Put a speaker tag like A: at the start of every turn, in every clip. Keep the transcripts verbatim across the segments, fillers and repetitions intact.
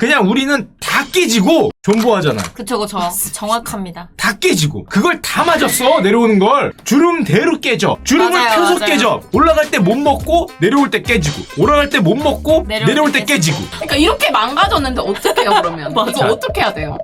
A: 그냥 우리는 다 깨지고 존버하잖아.
B: 그쵸, 그쵸. 정확합니다.
A: 다 깨지고 그걸 다 맞았어. 내려오는 걸 주름대로 깨져. 주름을
B: 맞아요,
A: 펴서
B: 맞아요.
A: 깨져. 올라갈 때 못 먹고 내려올 때 깨지고, 올라갈 때 못 먹고
B: 내려올
A: 내려올
B: 때
A: 때 깨지고.
C: 그러니까 이렇게 망가졌는데 어떻게 해요 그러면?
B: 맞아.
C: 이거 어떻게 해야 돼요?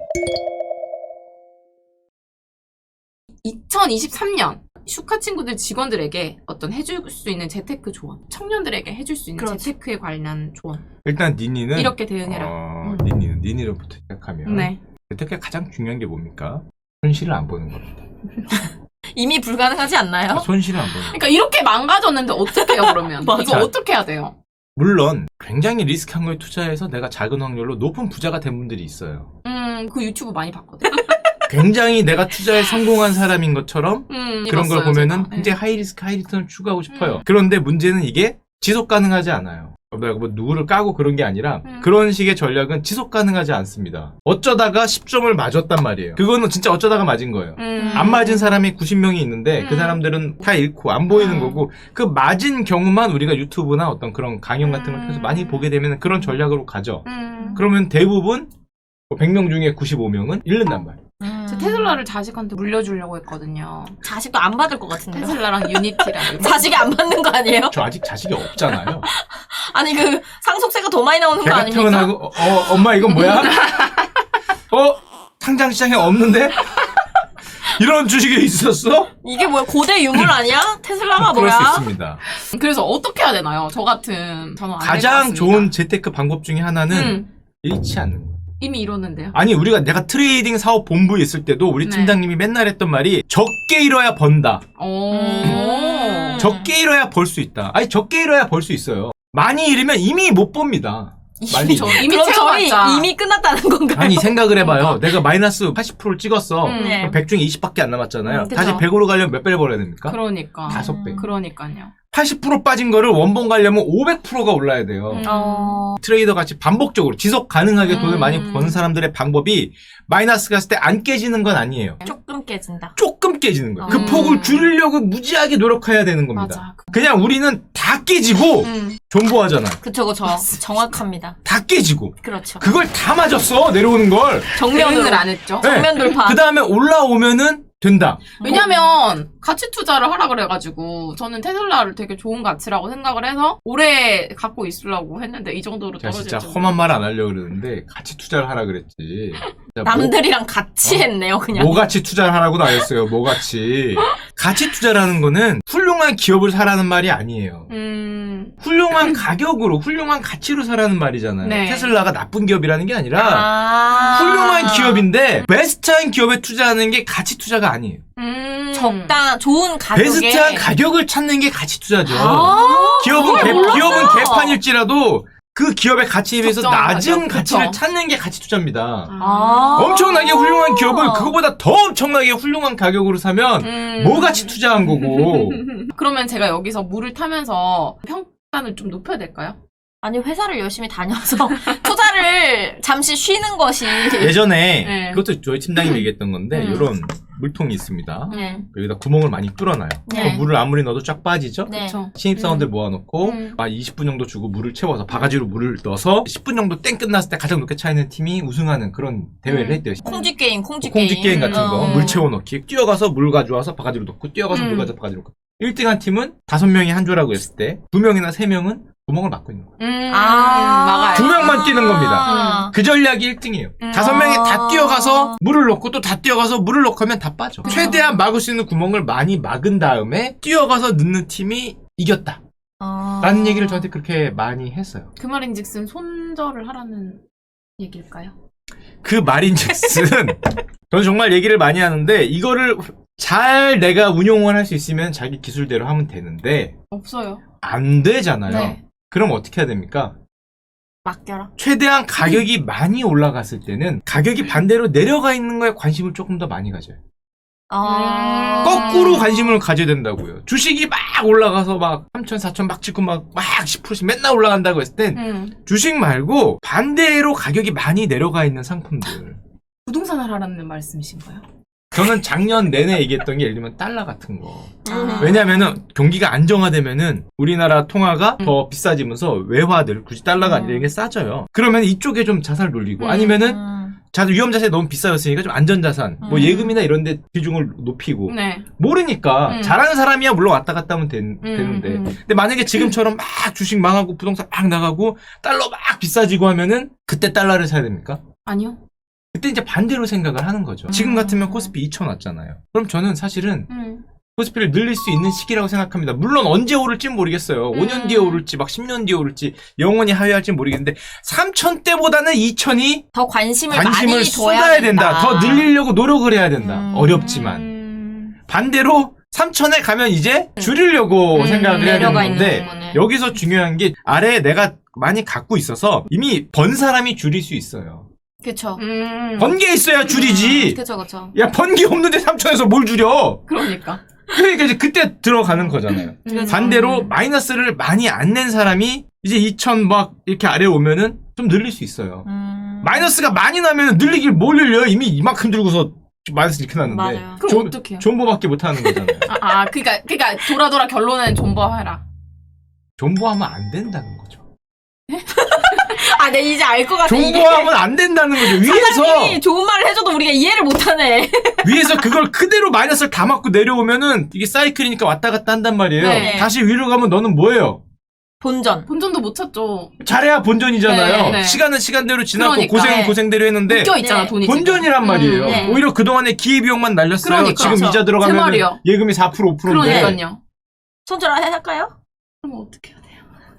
C: 이천이십삼 년 슈카 친구들 직원들에게 어떤 해줄 수 있는 재테크 조언, 청년들에게 해줄 수 있는
B: 그렇지.
C: 재테크에 관련 조언.
A: 일단 니니는
C: 이렇게 대응해라.
A: 어,
C: 음.
A: 니니는 니니로부터 시작하면
C: 네.
A: 재테크에 가장 중요한 게 뭡니까? 손실을 안 보는 겁니다.
B: 이미 불가능하지 않나요?
A: 손실을 안 보는.
C: 그러니까 이렇게 망가졌는데 어떻게 해요 그러면?
B: 맞아.
C: 이거 어떻게 해야 돼요?
A: 물론 굉장히 리스크한 거에 투자해서 내가 작은 확률로 높은 부자가 된 분들이 있어요.
C: 음, 그 유튜브 많이 봤거든.
A: 굉장히 내가 투자에 성공한 사람인 것처럼
C: 음,
A: 그런 걸
C: 읽었어요,
A: 보면은
C: 제가.
A: 굉장히 하이 리스크 하이 리턴을 추구하고 싶어요.
C: 음.
A: 그런데 문제는 이게 지속 가능하지 않아요. 내가 뭐 누구를 까고 그런 게 아니라
C: 음.
A: 그런 식의 전략은 지속 가능하지 않습니다. 어쩌다가 십 점을 맞았단 말이에요. 그거는 진짜 어쩌다가 맞은 거예요.
C: 음.
A: 안 맞은 사람이 구십 명이 있는데 그
C: 음.
A: 사람들은 다 잃고 안 보이는
C: 음.
A: 거고, 그 맞은 경우만 우리가 유튜브나 어떤 그런 강연 같은 걸
C: 음.
A: 통해서 많이 보게 되면 그런 전략으로 가죠.
C: 음.
A: 그러면 대부분 백 명 중에 구십오 명은 잃는단 말이에요.
B: 음.
C: 저 테슬라를 자식한테 물려주려고 했거든요.
B: 자식도 안 받을 것 같은데요?
C: 테슬라랑 유니티랑.
B: 자식이 안 받는 거 아니에요?
A: 저 아직 자식이 없잖아요.
B: 아니, 그, 상속세가 더 많이 나오는 거
A: 걔가
B: 아닙니까?
A: 태어나고 어, 어, 엄마 이건 뭐야? 어? 상장시장에 없는데? 이런 주식이 있었어?
B: 이게 뭐야? 고대 유물 아니야? 테슬라가
A: 그럴
B: 뭐야?
A: 수 있습니다.
C: 그래서 어떻게 해야 되나요? 저 같은 저는 안될것
A: 가장
C: 같습니다.
A: 좋은 재테크 방법 중에 하나는
C: 음,
A: 잃지 않는 거.
C: 이미 이뤘는데요.
A: 아니 우리가 내가 트레이딩 사업 본부에 있을 때도 우리
C: 네.
A: 팀장님이 맨날 했던 말이 적게 잃어야 번다.
C: 오.
B: 음.
A: 적게 잃어야 벌 수 있다. 아니 적게 잃어야 벌 수 있어요. 많이 잃으면 이미 못 법니다. 많이
C: 저
A: 잃으면.
C: 이미
B: 그럼 저희
C: 채워봤자.
B: 이미 끝났다는 건가요?
A: 아니 생각을 해봐요. 내가 마이너스 팔십 퍼센트를 찍었어.
C: 음.
B: 네.
A: 그럼 백 중에 이십밖에 안 남았잖아요.
C: 음, 그쵸.
A: 다시 백으로 가려면 몇 배를 벌어야 됩니까?
C: 그러니까.
A: 다섯 배.
C: 그러니까요.
A: 팔십 퍼센트 빠진 거를 원본 가려면 오백 퍼센트가 올라야 돼요.
C: 음.
B: 어...
A: 트레이더 같이 반복적으로 지속 가능하게 돈을
C: 음.
A: 많이 버는 사람들의 방법이 마이너스 갔을 때 안 깨지는 건 아니에요.
B: 조금 깨진다.
A: 조금 깨지는 거예요. 그
C: 음.
A: 폭을 줄이려고 무지하게 노력해야 되는 겁니다.
C: 맞아.
A: 그냥 우리는 다 깨지고
C: 음.
A: 존버하잖아.
B: 그쵸, 그쵸. 정확합니다.
A: 다 깨지고
B: 그렇죠.
A: 그걸 다 맞았어. 내려오는 걸.
B: 정면으로.
C: 대응을 안 했죠.
B: 정면 돌파.
A: 그 다음에 올라오면은 된다.
C: 왜냐면 가치 투자를 하라 그래가지고 저는 테슬라를 되게 좋은 가치라고 생각을 해서 오래 갖고 있으려고 했는데 이 정도로
A: 제가
C: 떨어질
A: 진짜
C: 줄
A: 험한 말 안 하려고 그러는데 같이 투자를 하라 그랬지. 진짜
B: 남들이랑 같이
A: 어?
B: 했네요, 그냥.
A: 뭐 같이 투자를 하라고는 안 했어요. 뭐 같이. 가치 투자라는 거는 훌륭한 기업을 사라는 말이 아니에요.
C: 음.
A: 훌륭한 가격으로, 훌륭한 가치로 사라는 말이잖아요.
C: 네.
A: 테슬라가 나쁜 기업이라는 게 아니라
B: 아.
A: 훌륭한 기업인데 베스트한 기업에 투자하는 게 가치 투자가 아니에요.
C: 음.
B: 적당, 좋은 가격에.
A: 베스트한 가격을 찾는 게 가치 투자죠.
B: 아,
A: 기업은 개,
B: 몰랐어요.
A: 기업은 개판일지라도 그 기업의 가치에 비해서
C: 적정한
A: 낮은
C: 가격,
A: 가치를
C: 그쵸.
A: 찾는 게 가치 투자입니다.
B: 아.
A: 엄청나게 훌륭한 기업을 그거보다 더 엄청나게 훌륭한 가격으로 사면
C: 음.
A: 뭐 같이 투자한 거고.
C: 그러면 제가 여기서 물을 타면서 평단을 좀 높여야 될까요?
B: 아니, 회사를 열심히 다녀서 투자를 잠시 쉬는 것이.
A: 예전에
C: 네.
A: 그것도 저희 팀장님이 얘기했던 건데
C: 음.
A: 이런 물통이 있습니다.
B: 네.
A: 여기다 구멍을 많이 뚫어놔요.
B: 네.
A: 그럼 물을 아무리 넣어도 쫙 빠지죠?
B: 네.
C: 그쵸.
A: 신입사원들
C: 음.
A: 모아놓고
C: 음.
A: 한 이십 분 정도 주고 물을 채워서 바가지로 물을 넣어서 십 분 정도 땡 끝났을 때 가장 높게 차 있는 팀이 우승하는 그런 대회를
C: 음.
A: 했대요.
B: 콩쥐 게임, 콩쥐 게임.
A: 콩쥐 게임 같은 거.
B: 어.
A: 물 채워넣기. 뛰어가서 물 가져와서 바가지로 넣고 뛰어가서 물
C: 음.
A: 가져와서 바가지로 넣고. 일 등 한 팀은 다섯 명이 한 조라고 했을 때 두 명이나 세 명은 구멍을 막고 있는 거예요.
C: 음.
B: 아.
C: 막아요.
A: 두 명만 뛰는 겁니다.
B: 아.
A: 그 전략이 일 등이에요.
C: 음.
A: 다섯 명이 다
B: 아.
A: 뛰어가서 물을 넣고 또 다 뛰어가서 물을 넣고 하면 다 빠져. 최대한 막을 수 있는 구멍을 많이 막은 다음에 뛰어가서 넣는 팀이 이겼다.
B: 아.
A: 라는 얘기를 저한테 그렇게 많이 했어요.
C: 그 말인즉슨 손절을 하라는 얘기일까요?
A: 그 말인즉슨 저는 정말 얘기를 많이 하는데 이거를 잘 내가 운용을 할 수 있으면 자기 기술대로 하면 되는데
C: 없어요.
A: 안 되잖아요.
C: 네.
A: 그럼 어떻게 해야 됩니까?
B: 맡겨라.
A: 최대한 가격이 많이 올라갔을 때는 가격이 반대로 내려가 있는 거에 관심을 조금 더 많이 가져요.
B: 아.
A: 거꾸로 관심을 가져야 된다고요. 주식이 막 올라가서 막 삼천, 사천 막 찍고 막, 막 십 퍼센트씩 맨날 올라간다고 했을 땐
C: 음.
A: 주식 말고 반대로 가격이 많이 내려가 있는 상품들.
C: 부동산을 하라는 말씀이신가요?
A: 저는 작년 내내 얘기했던 게 예를 들면 달러 같은 거.
B: 음.
A: 왜냐면은 경기가 안정화되면은 우리나라 통화가
C: 음.
A: 더 비싸지면서 외화들 굳이 달러가 아니라 이게 싸져요. 그러면 이쪽에 좀 자산을 돌리고
C: 음.
A: 아니면은
B: 음.
A: 자 위험 자산이 너무 비싸졌으니까 좀 안전 자산, 뭐
B: 음.
A: 예금이나 이런 데 비중을 높이고
C: 네.
A: 모르니까
C: 음.
A: 잘하는 사람이야 물론 왔다 갔다 하면 된-
C: 음,
A: 되는데
C: 음.
A: 근데 만약에 지금처럼 막 주식 망하고 부동산 막 나가고 달러 막 비싸지고 하면은 그때 달러를 사야 됩니까?
C: 아니요.
A: 그때 이제 반대로 생각을 하는 거죠. 지금 같으면 코스피 이천 왔잖아요. 그럼 저는 사실은
C: 음.
A: 코스피를 늘릴 수 있는 시기라고 생각합니다. 물론 언제 오를지 모르겠어요. 오 년
C: 음.
A: 뒤에 오를지 막 십 년 뒤에 오를지 영원히 하회할지 모르겠는데 삼천 때보다는 이천이
B: 더 관심을,
A: 관심을
B: 많이 줘야
A: 쏟아야 된다. 더 늘리려고 노력을 해야 된다.
B: 음.
A: 어렵지만.
C: 음.
A: 반대로 삼천에 가면 이제 줄이려고
C: 음,
A: 생각을 해야 되는
B: 내려가 있는
A: 건데
B: 부분을.
A: 여기서 중요한 게 아래에 내가 많이 갖고 있어서 이미 번 사람이 줄일 수 있어요.
B: 그쵸.
C: 음.
A: 번 게 있어야 줄이지.
B: 그쵸, 그쵸.
A: 야, 번 게 없는데 삼천에서 뭘 줄여?
C: 그러니까.
A: 그러니까 이제 그때 들어가는 거잖아요.
C: 음.
A: 반대로 마이너스를 많이 안 낸 사람이 이제 이천 막 이렇게 아래 오면은 좀 늘릴 수 있어요.
B: 음.
A: 마이너스가 많이 나면 늘리길 뭘 늘려? 이미 이만큼 들고서 마이너스 이렇게 났는데.
B: 맞아요.
C: 그럼
A: 존-
C: 어떡해요?
A: 존버밖에 못 하는 거잖아요.
C: 아, 아, 그니까, 그니까, 돌아 돌아 결론은 존버해라.
A: 존버하면 안 된다는 거죠.
B: 아, 네, 이제 알 것 같아. 이게
A: 존버하면 안 된다는 거죠. 위에서
B: 사장님이 좋은 말을 해줘도 우리가 이해를 못하네.
A: 위에서 그걸 그대로 마이너스를 다 맞고 내려오면은 이게 사이클이니까 왔다 갔다 한단 말이에요.
C: 네.
A: 다시 위로 가면 너는 뭐예요?
B: 본전.
C: 본전도 못 찾죠.
A: 잘해야 본전이잖아요.
C: 네, 네.
A: 시간은 시간대로 지났고
C: 그러니까.
A: 고생은
B: 네.
A: 고생대로 했는데
C: 묶여 있잖아,
B: 네.
C: 돈이.
A: 본전이란 말이에요.
C: 음,
B: 네.
A: 오히려 그동안에 기회비용만 날렸어요.
C: 그러니까.
A: 지금
B: 그렇죠.
A: 이자
C: 제
A: 들어가면
C: 말이요.
A: 예금이 사 퍼센트 오 퍼센트인데
C: 그러니까요.
B: 손절 할까요?
C: 그럼 어떻게 해야 돼요?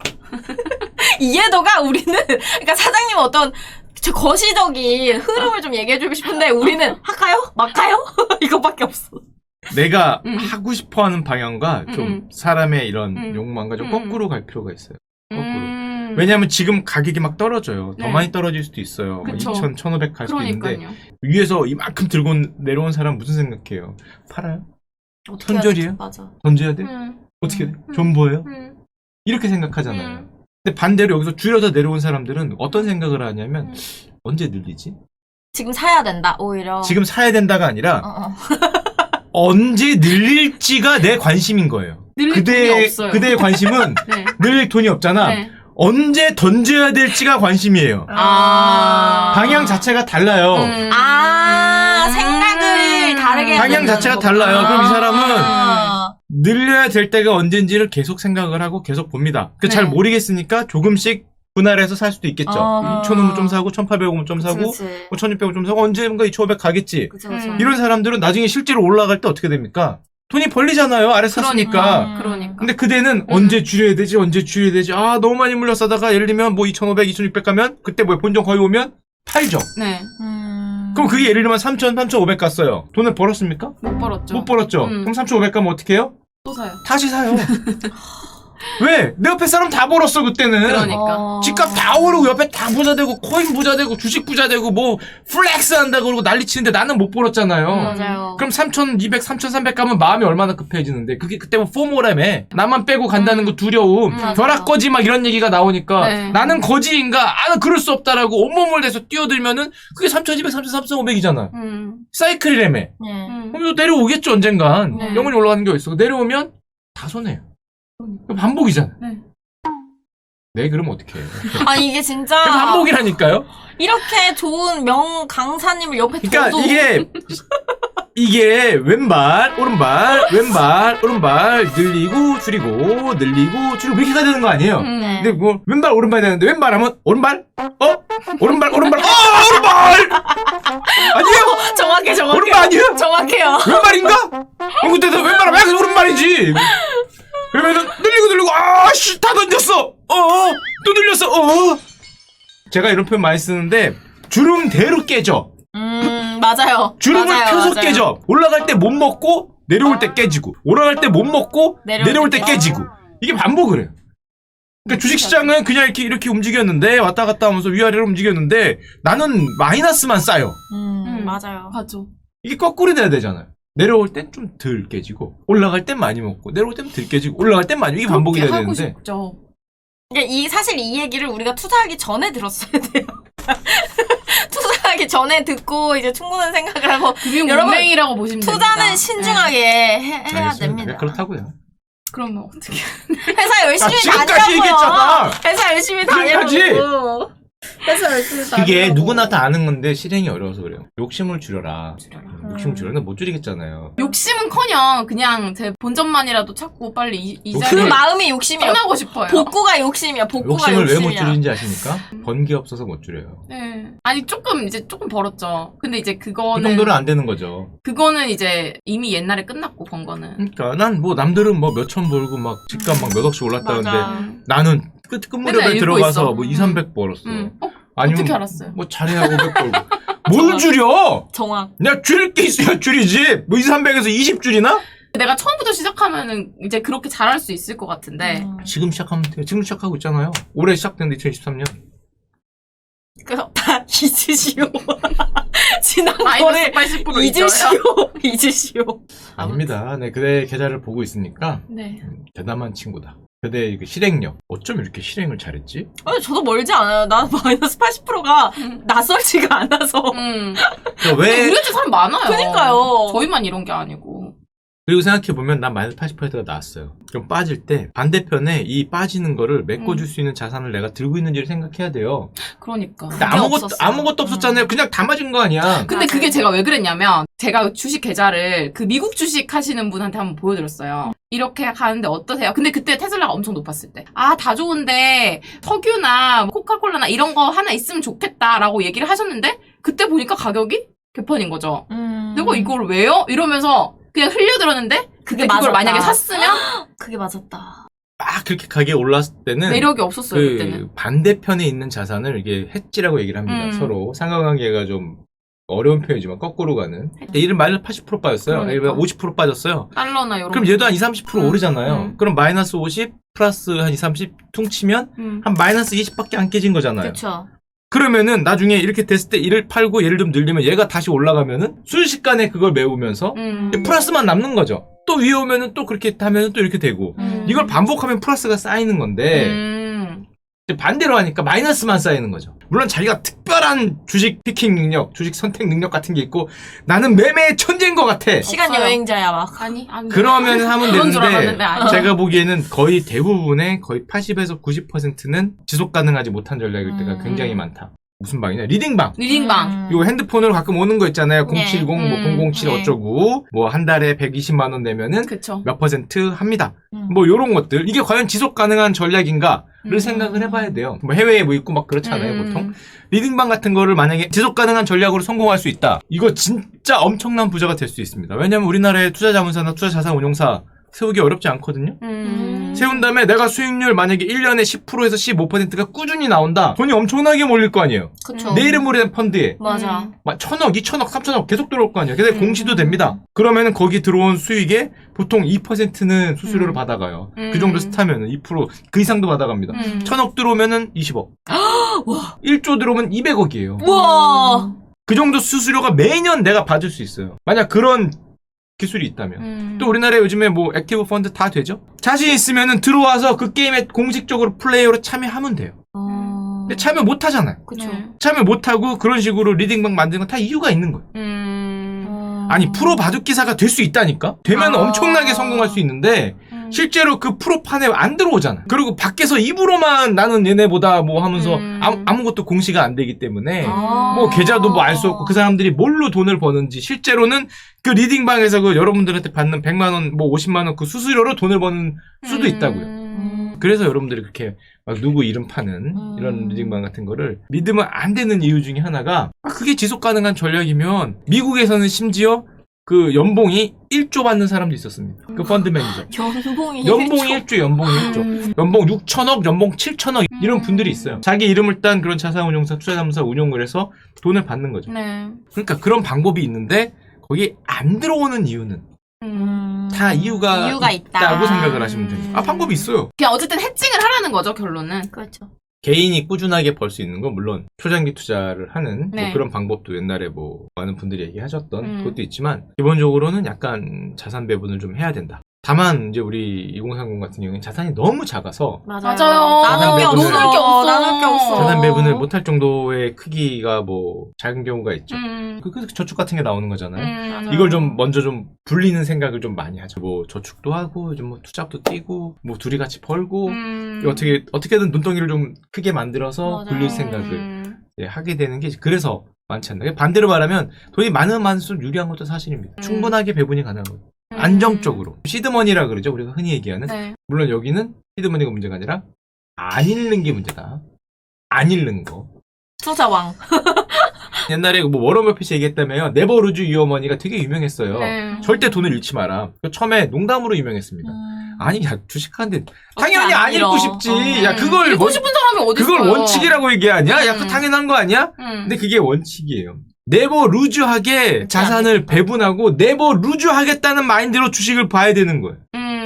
B: 이해도가 우리는, 그러니까 사장님은 어떤 저 거시적인 흐름을 좀 얘기해주고 싶은데 우리는 할까요? 말까요? 이것밖에 없어.
A: 내가
C: 음.
A: 하고 싶어하는 방향과 좀
C: 음.
A: 사람의 이런
C: 음.
A: 욕망과 좀
C: 음.
A: 거꾸로 갈 필요가 있어요. 거꾸로.
C: 음.
A: 왜냐하면 지금 가격이 막 떨어져요. 더
C: 네.
A: 많이 떨어질 수도 있어요. 뭐
C: 그쵸.
A: 이천, 천오백 갈 수도 있는데
C: 그러니까요.
A: 위에서 이만큼 들고 내려온 사람 무슨 생각해요? 팔아요?
B: 어떻게 해야
A: 손절이에요?
B: 되지? 맞아.
A: 던져야 돼?
C: 음.
A: 어떻게 돼?
C: 음.
A: 존버예요?
C: 음.
A: 이렇게 생각하잖아요.
C: 음.
A: 근데 반대로 여기서 줄여서 내려온 사람들은 어떤 생각을 하냐면
C: 음.
A: 언제 늘리지?
B: 지금 사야 된다, 오히려.
A: 지금 사야 된다가 아니라
B: 어, 어.
A: 언제 늘릴지가 내 관심인 거예요.
C: 늘릴 돈이
A: 그대의,
C: 없어요.
A: 그대의 관심은
C: 네.
A: 늘릴 돈이 없잖아.
C: 네.
A: 언제 던져야 될지가 관심이에요.
C: 아.
A: 방향 자체가 달라요.
C: 음.
B: 아, 생각을 다르게 해야
A: 방향
B: 된다는
A: 자체가
B: 거구나.
A: 달라요. 그럼 이 사람은
B: 아.
A: 늘려야 될 때가 언젠지를 계속 생각을 하고 계속 봅니다. 그
C: 네.
A: 잘 모르겠으니까 조금씩 분할해서 살 수도 있겠죠.
B: 어.
A: 이천 원은 좀 사고 천팔백 원은 좀
B: 그치,
A: 사고
B: 그치.
A: 뭐 천육백 원 좀 사고 언젠가 이천오백 가겠지.
B: 그치, 그치.
C: 음.
A: 이런 사람들은 나중에 실제로 올라갈 때 어떻게 됩니까? 돈이 벌리잖아요. 아래 샀으니까.
B: 그러니까.
C: 그러니까.
A: 근데 그대는 언제 줄여야 되지? 언제 줄여야 되지? 아, 너무 많이 물려 싸다가 예를 들면 뭐 이천오백, 이천육백 가면 그때 뭐 본전 거의 오면 팔죠.
C: 네.
B: 음.
A: 그럼 그게 예를 들면 삼천, 삼천오백 갔어요. 돈을 벌었습니까?
C: 못 벌었죠.
A: 못 벌었죠.
C: 음.
A: 그럼 삼천오백 가면 어떻게 해요?
C: 또 사요.
A: 다시 사요. 왜? 내 옆에 사람 다 벌었어 그때는.
C: 그러니까.
B: 어.
A: 집값 다 오르고 옆에 다 부자 되고 코인 부자 되고 주식 부자 되고 뭐 플렉스 한다 그러고 난리 치는데 나는 못 벌었잖아요.
B: 맞아요.
A: 그럼 삼천이백, 삼천삼백 가면 마음이 얼마나 급해지는데 그게 그때 뭐 포모라며 나만 빼고 간다는 거 두려움
B: 음, 맞아요.
A: 벼락거지 막 이런 얘기가 나오니까
C: 네.
A: 나는 거지인가 아 그럴 수 없다라고 온몸을 내서 뛰어들면은 그게 삼천이백, 삼천, 삼천오백이잖아
C: 음.
A: 사이클이라며
B: 네.
C: 음.
A: 그럼 또 내려오겠죠 언젠간
C: 네.
A: 영원히 올라가는 게 어딨어 내려오면 다 손해요 반복이잖아
C: 네.
A: 네 그럼 어떡해
B: 아, 이게 진짜.
A: 반복이라니까요
B: 이렇게 좋은 명 강사님을 옆에
A: 그러니까
B: 둬도.
A: 이게 이게 왼발 오른발 왼발 오른발 늘리고 줄이고 늘리고 줄이고 이렇게 가야 되는 거 아니에요
C: 음.
B: 네.
A: 근데 뭐 왼발 오른발 되는데 왼발 하면 오른발 어 오른발 오른발 어 오른발 아니에요
B: 정확해, 정확해.
A: 오른발 아니에요
B: 정확해요.
A: 왼발인가 어 그때도 왼발하면 약간 오른발이지 그러면은 늘리고 늘리고 아씨 다 던졌어 어또 늘렸어 어 제가 이런 표현 많이 쓰는데 주름대로 깨져
B: 음, 맞아요.
A: 주름을
B: 맞아요,
A: 펴서
B: 맞아요.
A: 깨져 올라갈 때 못 먹고 내려올 때 깨지고 올라갈 때 못 먹고
B: 내려올
A: 내려올
B: 때
A: 때 깨지고 이게 반복을 해요 그러니까 주식시장은 그냥 이렇게 이렇게 움직였는데 왔다 갔다 하면서 위아래로 움직였는데 나는 마이너스만 쌓여
B: 음,
C: 음.
B: 맞아요.
C: 맞죠.
A: 이게 거꾸로 돼야 되잖아요 내려올 땐 좀 덜 깨지고 올라갈 땐 많이 먹고 내려올 땐 덜 깨지고 올라갈 땐 많이 이게 반복이 돼야
C: 그렇게 하고
A: 되는데
C: 싶죠.
B: 그러니까 이, 사실 이 얘기를 우리가 투자하기 전에 들었어야 돼요. 투자하기 전에 듣고 이제 충분한 생각을 하고 여러분,
C: 금융문맹이라고 보시면 됩니다.
B: 투자는 신중하게 해, 해야
A: 알겠습니다.
B: 됩니다.
A: 네, 그렇다고요.
C: 그러면 어떻게?
B: 회사 열심히
A: 아, 지금까지
B: 다니라고요.
A: 얘기했잖아.
B: 회사 열심히
A: 지금까지.
B: 다니라고. 회사 열심히 다니라고.
A: 그게 누구나 다 아는 건데 실행이 어려워서 그래요. 욕심을 줄여라.
C: 줄여라.
A: 욕심을 줄여는 못 줄이겠잖아요.
C: 욕심은커녕 그냥 제 본전만이라도 찾고 빨리 이, 이
A: 욕심을-
B: 그
C: 자리를
B: 마음이 욕심이야.
C: 떠나고 싶어요.
B: 복구가 욕심이야. 복구가
A: 욕심을 왜 못
B: 욕심이야.
A: 줄이는지 아십니까? 번 게 없어서 못 줄여요.
C: 네. 아니 조금 이제 조금 벌었죠. 근데 이제
A: 그
C: 그거는
A: 정도는 안 되는 거죠.
C: 그거는 이제 이미 옛날에 끝났고 번 거는.
A: 그러니까 난 뭐 남들은 뭐 몇천 벌고 막 집값 막 몇 억씩 올랐다는데
B: 맞아.
A: 나는 끝, 끝무렵에
C: 맨날 읽고
A: 들어가서
C: 있어.
A: 뭐 이,
C: 음.
A: 삼백 벌었어.
C: 음. 어?
A: 아니면
C: 어떻게 알았어요?
A: 뭐 잘해야 오백 벌고. 뭘 줄여?
B: 정확.
A: 내가 줄일 게 있어야 줄이지. 뭐 이, 삼백에서 이십 줄이나?
C: 내가 처음부터 시작하면은 이제 그렇게 잘할 수 있을 것 같은데.
B: 음.
A: 지금 시작하면 돼요. 지금 시작하고 있잖아요. 올해 시작됐는데 이천이십삼 년.
B: 그래서 다 잊으시오. 지난
C: 마이너스
B: 거를
C: 팔십 퍼센트
B: 잊으시오. 잊으시오.
A: 아닙니다. 네, 그대 계좌를 보고 있으니까
C: 네.
A: 음, 대담한 친구다. 그대의 그 실행력. 어쩜 이렇게 실행을 잘했지?
B: 아니, 저도 멀지 않아요. 난 마이너스 팔십 퍼센트가 낯설지가 않아서.
C: 음.
A: 그러니까
C: 근데
A: 왜
C: 우리 한테 사람 많아요.
B: 그니까요.
C: 저희만 이런 게 아니고.
A: 그리고 생각해보면 난 마이너스 팔십 퍼센트가 나왔어요. 그럼 빠질 때 반대편에 이 빠지는 거를 메꿔줄
C: 음.
A: 수 있는 자산을 내가 들고 있는지를 생각해야 돼요.
C: 그러니까.
A: 근데 아무것도,
B: 없었어요.
A: 아무것도 없었잖아요. 그냥 다 맞은 거 아니야.
C: 근데
B: 맞아요.
C: 그게 제가 왜 그랬냐면 제가 주식 계좌를 그 미국 주식 하시는 분한테 한번 보여드렸어요. 이렇게 가는데 어떠세요? 근데 그때 테슬라가 엄청 높았을 때. 아, 다 좋은데 석유나 코카콜라나 이런 거 하나 있으면 좋겠다라고 얘기를 하셨는데 그때 보니까 가격이 개판인 거죠.
B: 음.
C: 내가 이걸 왜요? 이러면서 그냥 흘려들었는데 그게
B: 맞았다.
C: 그걸 만약에 샀으면
B: 그게 맞았다.
A: 막 그렇게 가격이 올랐을 때는
C: 매력이 없었어요,
A: 그
C: 그때는.
A: 반대편에 있는 자산을 이게 해지라고 얘기를 합니다.
C: 음.
A: 서로 상관관계가 좀 어려운 표현이지만 거꾸로 가는. 근데 이는 마이너스 팔십 퍼센트 빠졌어요.
C: 그러니까.
A: 얘가 오십 퍼센트 빠졌어요.
C: 달러나 이런
A: 그럼 얘도 한 이십, 삼십 퍼센트
C: 음.
A: 오르잖아요.
C: 음.
A: 그럼 마이너스 오십 플러스 한 이십, 삼십 퉁치면
C: 음.
A: 한 마이너스 이십밖에 안 깨진 거잖아요.
B: 그쵸.
A: 그러면은 나중에 이렇게 됐을 때 이를 팔고 얘를 좀 늘리면 얘가 다시 올라가면은 순식간에 그걸 메우면서
C: 음.
A: 플러스만 남는 거죠. 또 위에 오면은 또 그렇게 하면은 또 이렇게 되고
B: 음.
A: 이걸 반복하면 플러스가 쌓이는 건데
C: 음.
A: 이제 반대로 하니까 마이너스만 쌓이는 거죠. 물론 자기가 특별한 주식 피킹 능력, 주식 선택 능력 같은 게 있고 나는 매매의 천재인 것 같아.
B: 시간
C: 없어요.
B: 여행자야, 막.
C: 아니, 아니.
A: 그러면 하면
C: 그런 줄
A: 되는데
C: 알았는데 아니야.
A: 제가 보기에는 거의 대부분의 거의 팔십에서 구십 퍼센트는 지속 가능하지 못한 전략일 때가
B: 음.
A: 굉장히 많다. 무슨 방이냐? 리딩방.
C: 리딩방.
B: 음.
A: 요 핸드폰으로 가끔 오는 거 있잖아요.
B: 네.
A: 공칠십, 뭐
C: 음,
A: 공공칠
B: 네.
A: 어쩌고 뭐 한 달에 백이십만 원 내면은
C: 그쵸.
A: 몇 퍼센트 합니다.
B: 음.
A: 뭐 요런 것들 이게 과연 지속 가능한 전략인가를
C: 음.
A: 생각을 해봐야 돼요. 뭐 해외에 뭐 있고 막 그렇잖아요.
C: 음.
A: 보통 리딩방 같은 거를 만약에 지속 가능한 전략으로 성공할 수 있다. 이거 진짜 엄청난 부자가 될 수 있습니다. 왜냐면 우리나라의 투자자문사나 투자자산운용사 세우기 어렵지 않거든요.
C: 음.
A: 세운 다음에 내가 수익률 만약에 일 년에 십 퍼센트에서 십오 퍼센트가 꾸준히 나온다. 돈이 엄청나게 몰릴 거 아니에요.
B: 그쵸.
A: 내 이름으로 된 펀드에
B: 맞아.
C: 음.
A: 막 천억, 이천억, 삼천억 계속 들어올 거 아니에요. 근데
C: 음.
A: 공시도 됩니다. 그러면은 거기 들어온 수익의 보통 이 퍼센트는 수수료를
C: 음.
A: 받아가요.
C: 음.
A: 그 정도 스타면은 이 퍼센트 그 이상도 받아갑니다.
C: 음.
A: 천억 들어오면은 이십억.
B: 와.
A: 일조 들어오면 이백억이에요.
B: 우와.
A: 그 정도 수수료가 매년 내가 받을 수 있어요. 만약 그런 기술이 있다면.
C: 음.
A: 또 우리나라에 요즘에 뭐 액티브 펀드 다 되죠? 자신 있으면은 들어와서 그 게임에 공식적으로 플레이어로 참여하면 돼요.
B: 어.
A: 근데 참여 못 하잖아요.
B: 그쵸.
C: 네.
A: 참여 못 하고 그런 식으로 리딩방 만드는 건 다 이유가 있는 거예요.
C: 음.
B: 어.
A: 아니 프로 바둑 기사가 될 수 있다니까? 되면
C: 아.
A: 엄청나게 성공할 수 있는데
C: 음.
A: 실제로 그 프로판에 안 들어오잖아. 그리고 밖에서 입으로만 나는 얘네보다 뭐 하면서
C: 음.
A: 아무, 아무것도 공시가 안 되기 때문에
B: 아.
A: 뭐 계좌도 뭐 알 수 없고 그 사람들이 뭘로 돈을 버는지 실제로는 그 리딩방에서 그 여러분들한테 받는 백만 원, 뭐 오십만 원 그 수수료로 돈을 버는 수도 있다고요.
C: 음.
A: 그래서 여러분들이 그렇게 막 누구 이름 파는
B: 음.
A: 이런 리딩방 같은 거를 믿으면 안 되는 이유 중에 하나가 아, 그게 지속 가능한 전략이면 미국에서는 심지어 그 연봉이 일조 받는 사람도 있었습니다. 그 펀드 매니저.
B: 연봉이
A: 연봉이
B: 일조.
A: 일조, 연봉이 일조.
C: 음.
A: 연봉 육천억, 연봉 칠천억 이런
C: 음.
A: 분들이 있어요. 자기 이름을 딴 그런 자산운용사, 투자자문사 운용을 해서 돈을 받는 거죠.
C: 네.
A: 그러니까 그런 방법이 있는데 거기 안 들어오는 이유는
C: 음.
A: 다 이유가,
B: 이유가 있다.
A: 있다고 생각을 하시면 돼요. 아 방법이 있어요.
C: 그냥 어쨌든 해칭을 하라는 거죠, 결론은.
B: 그렇죠.
A: 개인이 꾸준하게 벌 수 있는 건 물론 초장기 투자를 하는
C: 네.
A: 뭐 그런 방법도 옛날에 뭐 많은 분들이 얘기하셨던
C: 음.
A: 그것도 있지만 기본적으로는 약간 자산 배분을 좀 해야 된다. 다만 이제 우리 이공삼공 같은 경우는 자산이 너무 작아서
B: 맞아요.
C: 맞아요.
B: 나눌 게
A: 나눌
B: 없어.
C: 게 없어.
B: 나눌 게 없어.
A: 자산 배분을 못할 정도의 크기가 뭐 작은 경우가 있죠.
C: 음.
A: 그, 그 저축 같은 게 나오는 거잖아요.
C: 음.
A: 이걸 좀 먼저 좀 불리는 생각을 좀 많이 하죠. 뭐 저축도 하고 좀 뭐 투잡도 뛰고 뭐 둘이 같이 벌고
C: 음.
A: 어떻게 어떻게든 눈덩이를 좀 크게 만들어서
B: 맞아요.
A: 굴릴 생각을
C: 음.
A: 예, 하게 되는 게 그래서 많지 않나. 반대로 말하면 돈이 많으면 많을수록 유리한 것도 사실입니다.
C: 음.
A: 충분하게 배분이 가능하거든요.
C: 음.
A: 안정적으로. 시드머니라 그러죠. 우리가 흔히 얘기하는.
C: 네.
A: 물론 여기는 시드머니가 문제가 아니라 안 잃는 게 문제다. 안 잃는 거.
B: 투자왕.
A: 옛날에 뭐 워런 버핏이 얘기했다며요. 네버 루즈 유어 머니가 되게 유명했어요.
C: 네.
A: 절대 돈을 잃지 마라. 처음에 농담으로 유명했습니다.
B: 음.
A: 아니, 야, 주식하는데 당연히
B: 안
A: 안 잃고
B: 잃어.
A: 싶지.
B: 어.
A: 야, 그걸
C: 읽고
A: 원,
C: 싶은 사람이 어디
A: 그걸
C: 있어요?
A: 원칙이라고 얘기하냐? 야,
C: 음.
A: 그 당연한 거 아니야?
C: 음.
A: 근데 그게 원칙이에요. 네버 루즈하게 자산을 배분하고 네버 루즈하겠다는 마인드로 주식을 봐야 되는 거예요.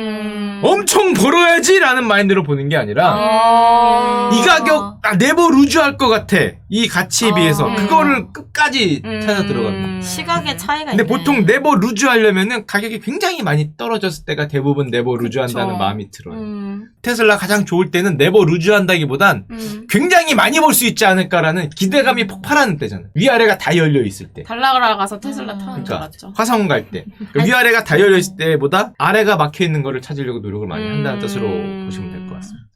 C: 음.
A: 엄청 벌어야지라는 마인드로 보는 게 아니라
B: 아.
A: 이 가격 아, 네버 루즈할 것 같아. 이 가치에
B: 아.
A: 비해서
C: 음.
A: 그거를 끝까지
C: 음.
A: 찾아 들어가는 거예요.
B: 시각의 차이가
A: 근데
B: 있네.
A: 보통 네버 루즈 하려면은 가격이 굉장히 많이 떨어졌을 때가 대부분 네버 루즈
C: 그쵸.
A: 한다는 마음이 들어요.
C: 음.
A: 테슬라 가장 좋을 때는 네버 루즈 한다기보단
C: 음.
A: 굉장히 많이 벌 수 있지 않을까라는 기대감이 폭발하는 때잖아요. 위아래가 다 열려 있을 때.
C: 달나라 가서 테슬라
B: 음.
C: 타는 줄
A: 그러니까
C: 알았죠.
A: 화성원 갈 때. 그 위아래가 다 열려 있을 때보다 아래가 막혀 있는 거를 찾으려고 노력을 많이 한다는
C: 음.
A: 뜻으로 보시면 될 것 같습니다.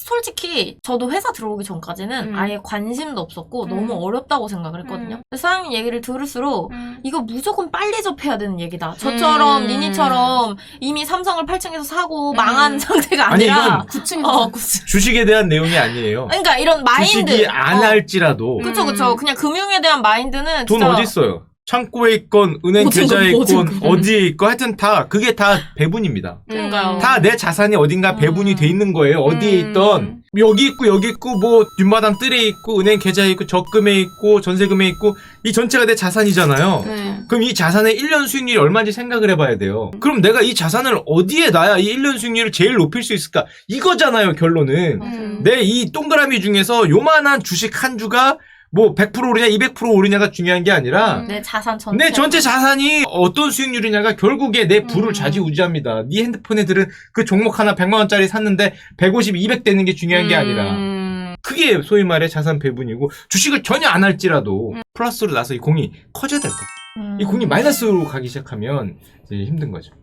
B: 솔직히 저도 회사 들어오기 전까지는
C: 음.
B: 아예 관심도 없었고
C: 음.
B: 너무 어렵다고 생각을 했거든요.
C: 음.
B: 근데 사장님 얘기를 들을수록
C: 음.
B: 이거 무조건 빨리 접해야 되는 얘기다. 저처럼
C: 음.
B: 니니처럼 이미 삼성을 팔 층에서 사고
C: 음.
B: 망한 상태가
A: 아니,
B: 아니라
A: 이건
C: 구 층에서
B: 어,
C: 구 층.
A: 주식에 대한 내용이 아니에요.
B: 그러니까 이런 마인드.
A: 주식이 안
B: 어.
A: 할지라도
B: 그쵸 그쵸. 그냥 금융에 대한 마인드는
A: 돈
B: 진짜
A: 어디 있어요? 창고에 있건 은행
B: 보증금,
A: 계좌에 있건
B: 보증금.
A: 어디에 있건 하여튼 다 그게 다 배분입니다.
B: 그러니까요.
A: 다 내 자산이 어딘가
B: 음.
A: 배분이 돼 있는 거예요. 어디에
C: 음.
A: 있던 여기 있고 여기 있고 뭐 뒷마당 뜰에 있고 은행 계좌에 있고 적금에 있고 전세금에 있고 이 전체가 내 자산이잖아요.
C: 네.
A: 그럼 이 자산의 일 년 수익률이 얼마인지 생각을 해봐야 돼요. 그럼 내가 이 자산을 어디에 놔야 이 일 년 수익률을 제일 높일 수 있을까? 이거잖아요, 결론은.
C: 음.
A: 내 이 동그라미 중에서 요만한 주식 한 주가 뭐 백 퍼센트 오르냐 이백 퍼센트 오르냐가 중요한 게 아니라
C: 음.
B: 내 자산 전체.
A: 내 전체 자산이 어떤 수익률이냐가 결국에 내 부를
C: 음.
A: 좌지우지합니다. 네 핸드폰에 들은 그 종목 하나 백만 원짜리 샀는데 백오십, 이백 되는 게 중요한 게 아니라
C: 음.
A: 그게 소위 말해 자산 배분이고 주식을 전혀 안 할지라도
C: 음.
A: 플러스로 나서 이 공이 커져야 될 거야.
B: 음.
A: 이 공이 마이너스로 가기 시작하면 이제 힘든 거죠.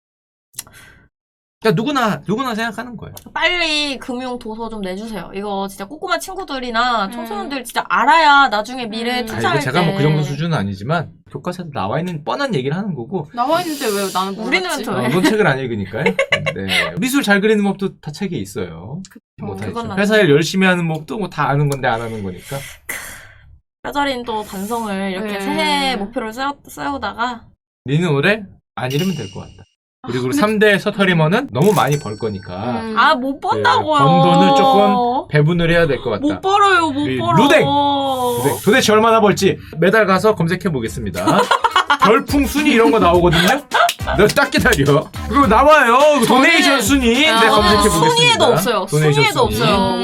A: 그러니까 누구나 누구나 생각하는 거예요.
B: 빨리 금융 도서 좀 내주세요. 이거 진짜 꼬꼬마 친구들이나
C: 음.
B: 청소년들 진짜 알아야 나중에 미래에
C: 음.
A: 아,
B: 투자할
A: 이거 제가
B: 때.
A: 뭐 그 정도 수준은 아니지만 교과서에 나와 있는 뻔한 얘기를 하는 거고
C: 나와 있는데 왜 나는 몰랐지?
B: 우리는 저-
A: 어, 넌 책을 안 읽으니까요. 네. 미술 잘 그리는 법도 다 책에 있어요. 뭐 다
B: 그건
A: 있죠.
B: 아니죠.
A: 회사 일 열심히 하는 법도 뭐 다 아는 건데 안 하는 거니까.
B: 뼈저린 또 반성을 이렇게
C: 네.
B: 새해 목표를 세우, 세우다가
A: 니는 올해 안 잃으면 될 것 같다. 그리고 삼 대 서터리머는 너무 많이 벌 거니까
C: 음.
B: 아 못 번다고요.
A: 네, 번 돈을 조금 배분을 해야 될 것 같다.
B: 못 벌어요 못
A: 우리
B: 벌어.
A: 루댕! 도대- 도대체 얼마나 벌지 매달 가서 검색해 보겠습니다. 별풍 순위 이런 거 나오거든요. 너 딱 기다려. 그거 나와요. 도네이션 순위.
C: 아,
A: 네, 검색해 보겠습니다.
B: 순위에도 없어요.
A: 도네이션
B: 순위에도
A: 순위.
B: 없어요.